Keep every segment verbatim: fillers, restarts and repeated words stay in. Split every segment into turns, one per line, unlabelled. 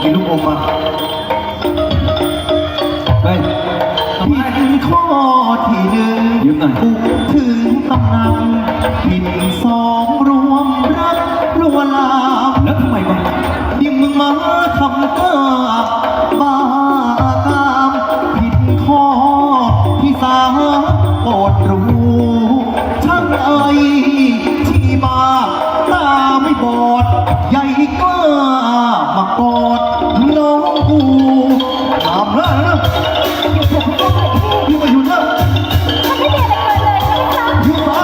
กินลูกอมมาเฮ้ยผิดข้อที่หนึ่งยืมหน่อยบุกถึงตำนานผิดสองรวมรักลวนลามแล้วทำไมวะยิ่งมึงมาทำก้าบ้ากามผิดข้อที่สามโปรดรู้ช่างเอ่ยที่มาตาไม่บอดใหญ่กล้ามากอดน้องกูถามแล้วนะพี่มาอยู่นะไม่เด็ดอะไรเลยอยู่นะ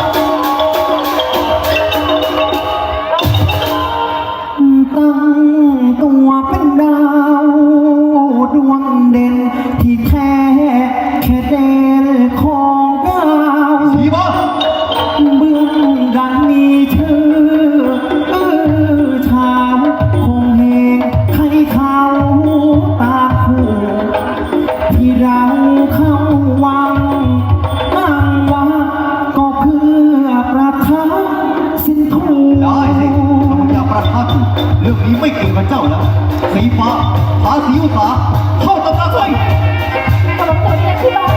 ตั้งตัวเป็นดาวดวงเด่นที่แค่แค่เด่นของดาวสีบ้าเบื้องดังมีชื่อเออชาวคงเฮงใครเขาตาคู่ที่เราเข้าวังอ้างว่าก็เพื่อประทับสินทูได้สิถ้ามึงอยากประทับเรื่องนี้ไม่เกี่ยวกับเจ้าแล้วสีฟ้าพาสีอุตสาเข้าตำนานเลยตลกตัวนี้ที่บ้าน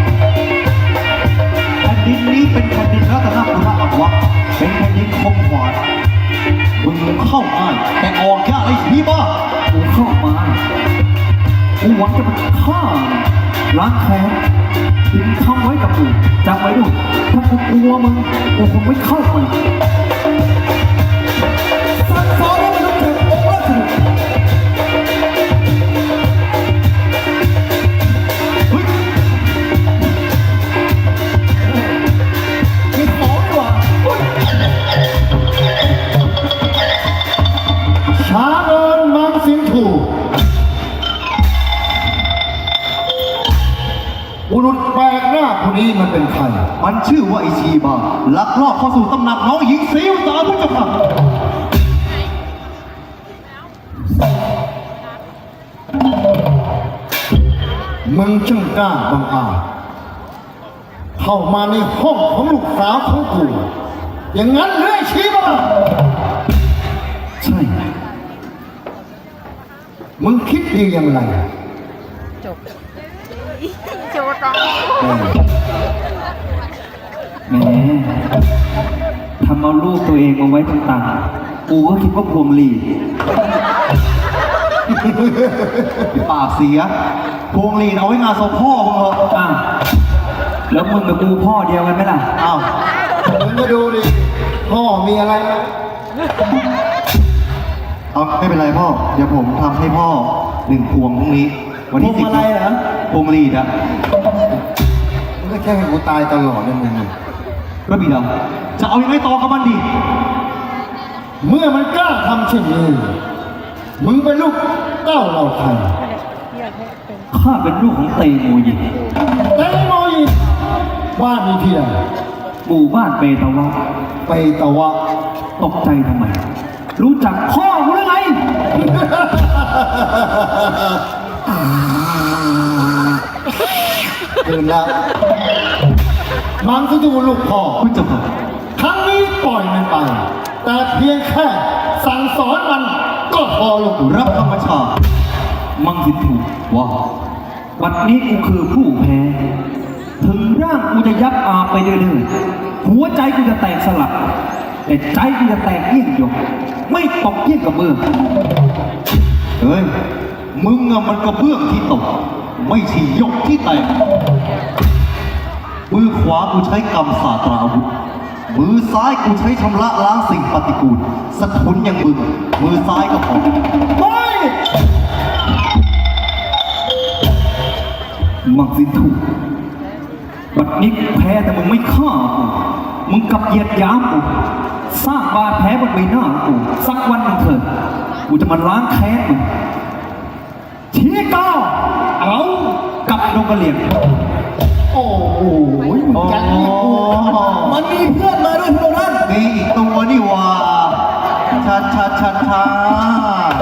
แผ่นดินนี้เป็นแผ่นดินรัตนบุรีอักวะเป็นแผ่นดินคมขวานมึงเข้าง่ายแต่ออกยากไอ้สีบ้ากูเข้ามากูหวังจะมาฆ่าล้างแค้นทิ้งทำไว้กับกูจำไว้ด้วยถ้ากูกลัวมึงกูคงไม่เข้าไปสั่งสอนให้มันรู้จักองค์ราชบุตรเฮ้ยมีของดีกว่าช้าเงินมังสินถูบุรุษแปลกหน้าคนนี้มันเป็นใครมันชื่อว่าไอชีบาลักลอบเข้าสู่ตำหนักน้องหญิงศรีอุตสาพุทธเจ้าค่ะมึงช่างกล้าบังอาจเข้ามาในห้องของลูกสาวของกูอย่างนั้นเรื่อยชีบาใช่มึงคิดดีอย่างไร
จบโจตอง
แหมทำเอาลูกตัวเองมาไว้ต่างๆกูก็คิดว่าพวงหลีดปากเสียพวงหลีดเอาไว้งานศพพ่อมึงเหรออ่ะแล้วมึงกับกูพ่อเดียวกันไหมล่ะอ้าวมึงก็ดูดิพ่อมีอะไรเอาไม่เป็นไรพ่อเดี๋ยวผมทำให้พ่อหนึ่งพวงพรุ่งนี้วันที่สิบอะไรเหรอพวงหลีดอะมึงก็แค่ให้กูตายตลอดเลยมึงก็บีเราจะเอายังไงต่อกับมันดีเมื่อมันกล้าทำเช่นนี้มึงเป็นลูกเต้าเราใครข้าเป็นลูกของเตโมยิเตโมยิบ้านมีที่ไหนหมู่บ้านเปตาวะเปตาวะตกใจทำไมรู้จักพ่อกูหรือไงตื่นแล้วมังที่ดูลูกพ่อคุณจะบอกครั้งนี้ปล่อยมันไปแต่เพียงแค่สั่งสอนมันก็พอลูกรับธรรมชาติมังสิถูกว่าวันนี้กูคือผู้แพ้ถึงร่างกูจะยับอาไปเรื่อยๆหัวใจกูจะแตกสลักแต่ใจกูจะแตกเยี่ยงหยกไม่ตกเยี่ยงกับเบื้องเฮ้ยมึงอะมันกระเบื้องที่ตกไม่ใช่หยกที่แตกมือขวากูใช้กำสาตราอาวุธมือซ้ายกูใช้ชำระล้างสิ่งปฏิกูลสะทุนอย่างมึงมือซ้ายก็พอไม่มักสิถูกบัดนี้แพ้แต่มึงไม่ฆ่ากูมึงกับเหยียดหยามกูสร้างบาดแผลบนใบหน้ากูสักวันหนึ่งเถิดกูจะมาล้างแค้นมึงชี้ก้าวเอากับนกกระเหลี่ยงโอ้โหมึงจังนี่กูมันมีเพื่อนมาด้วยพวกนั้นมีอีกตัวนี่ว่าชัดชัดชัดชัด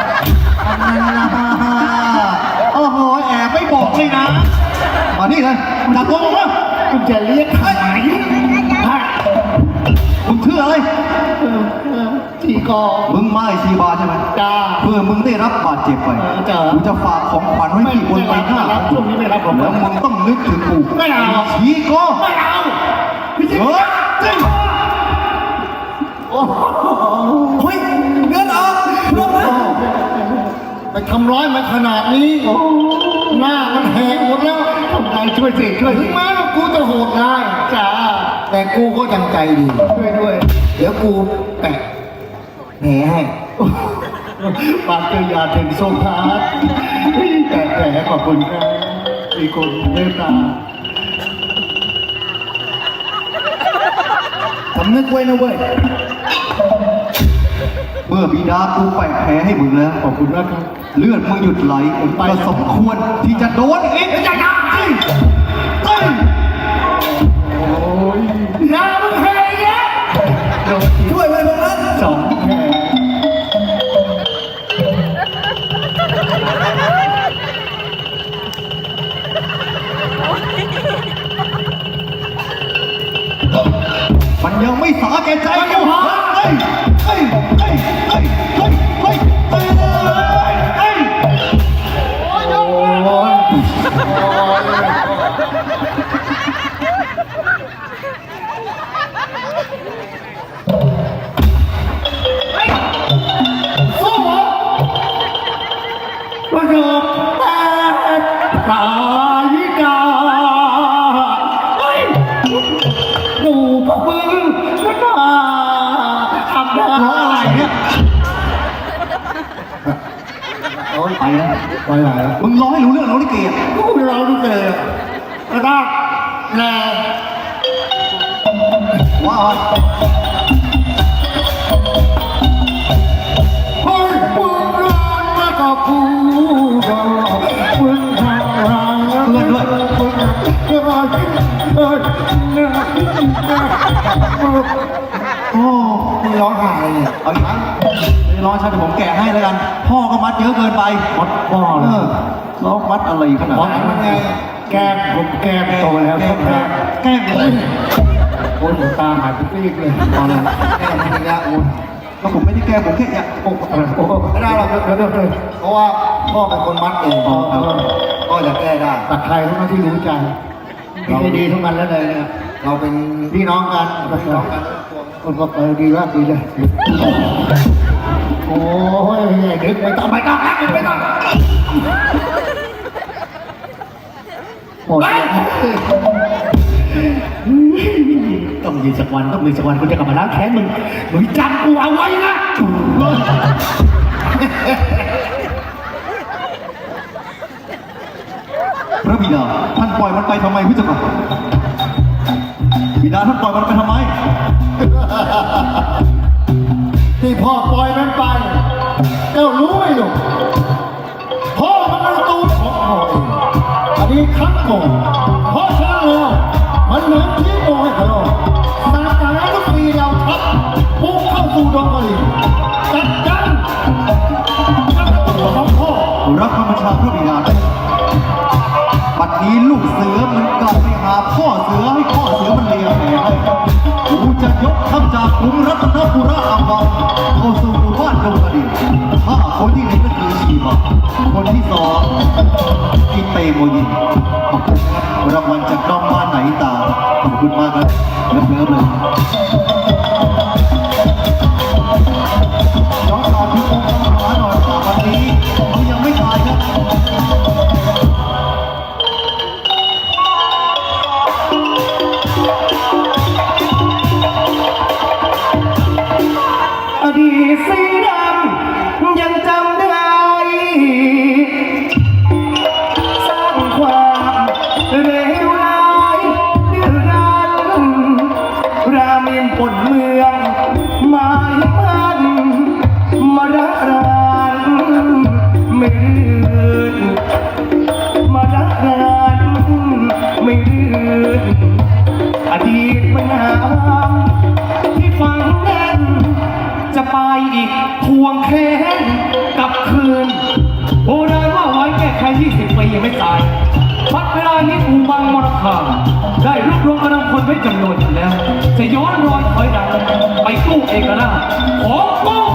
โอ้โหแอบไม่บอกเลยนะมานี่เลยจับตัวมึงวะคุณจะเรียกใครคุณชื่ออะไร
ทีกอ
มึงไม่ชีบาใช่ไหม
จ้า
เพื่อมึงได้รับบาดเจ็บไป
เออจ้ะ
กูจะฝากของขวัญไว้ที่บนใบหน้า
ไม่รับช่วงนี้ไม่รับผม
แล้วมึงต้องนึกถึงกู
ไม่เอา
ชีก็
ไม่เอาพี่
เฮ้ยเฮ้ย
โอ้โห
เฮ้ยเงินออกเรื่องนะ
ไปทำร้ายมันขนาดนี้หน้ามันแหกหมดแล้วทำไงช่วยสิช่วยถึงแม้ว่ากูจะโหดร้ายจ้าแต่กูก็ยังใจดีช่วยด้วย เดี๋ยวกูแปะแผลให้ปากเจอยาถึงโซฟาแปะแผลขอบคุณครับมีคนเมตตา
สำนึกไว้นะเว้ย เมื่อบิดากูแปะแผลให้มึงแล้ว
ขอบคุณนะครับ
เลือดมึงหยุดไหลก็สมควรที่จะโดนอีก
อย่าอย่าเฮ้ยเฮ้ยโอ้ยน้ำมึงแพ้เนี่ยโดน
ช่วยไว้ตรงนั้น
สองแพ้
มันยังไม่สาแก่ใจกูฮะเฮ้ยเฮ้ยเฮ้ยเฮ้ยเฮ้ยเฮ้ยเฮ้ยเฮ้ย
โอ้ยโอ้ยสู้เหรอประโยคแต่กายกาเฮ้ยดูพวกมึงก็น่าทำได้
ร้องอะไรเนี่ย
โอ้ย
ไปแล้ว
ไปไหนแล้ว
มึงร้องให้รู้เรื่องแล้วลิเกอ่ะ
กูเราดูเลยกระดาษแน่
ว่า
เฮ้ยมึงร้อนมากกว่ากูก็มึงทำอะไรมึงมึงเฮ้ยเฮ้ย
โอ้
มึงร้องไห้เนี่ย
เอาอีกนะไม่ร้องใช่เดี๋ยวผมแกะให้แล้วกัน พ่อก็มัดเยอะเกินไป
มัดพ่อ
เอ
เลย
อร้องมัดอะไรขนาด
มัดมันไงแก้มผมแก้มโตแล้ว
แก
แก้
ล้
ม
งแกล้งเลย
โอ้ยตาหายไปซีกเลยตอนนั้นแก้มมันยะโอ้ย
แล้วผมไม่ได้แกล้งผมแค่อยาก
โอ้โหไม่ได้หรอกเดี๋ยวเดี๋ยวเดี๋ยวเพราะว่าพ่อเป็นคนมัดเองพ่อจะแก้ได้แต่ใครเท่านั้นที่รู้ใจดีดีทั้งนั้นแล้วเลยเนี่ยเราเป็นพี่น้องกันพี่น้องกันคนก็เออดีแล้วดีเลยโอ้ยเด็กไม่ต้องไม่ต้องไม่ต้องหมดต้องมีสักวันต้องมีสักวันกูจะกลับมาล้างแค้นมึงมึงจำกูเอาไว้นะ
พระบิดาท่านปล่อยมันไปทำไมพี่เจ้าค่ะบิดาท่านปล่อยมันไปทำไม
ที่พ่อปล่อยมันไปเจ้ารู้ไหมลูกพ่อมันเป็นตูนของพ่อเองอันนี้ครั้งก่อนเพราะฉะนั้นแล้วมันเหมือนที่โมให้เขาตามการทุกปีเราทับพุ่งเข้าสู่ดงกะหรี่จัดการกับตัวของพ่อ
รับคำบัญชาพระบิดาบัดนี้ลูกเสือมันกลับไปหาพ่อเสือให้พ่อเสือมันเลียแผลให้กูจะยกทัพจากกรุงรัตนบุรีอัมพวาเข้าสู่หมู่บ้านดงกระดิ่งถ้าคนที่หนึ่งก็คือชีบะคนที่สองกิเตโมยินขอบคุณครับรางวัลจากน้องบ้านไหนตาขอบคุณมากครับเลิฟเลิฟเลยย้อนก่อนที่องค์พระมหาหน่อยแต่วันนี้เขายังไม่ตายครับ
อดีตสีดำยังจำได้สร้างความเลวร้ายดื้อรั้นราเมนปนเมืองหมายมันมาระรานไม่รื่นมาระรานไม่รื่นอดีตปัญหาที่ฝังแน่นจะไปอีกทวงแค้นกลับคืนโบราณว่าไว้แก้ไขยี่สิบปียังไม่ตายพัดเวลานี้อูบังมรคาได้รวบรวมกำลังคนไว้จำนวนหนึ่งแล้วจะย้อนรอยถอยหลังไปสู้เอกราชของกอง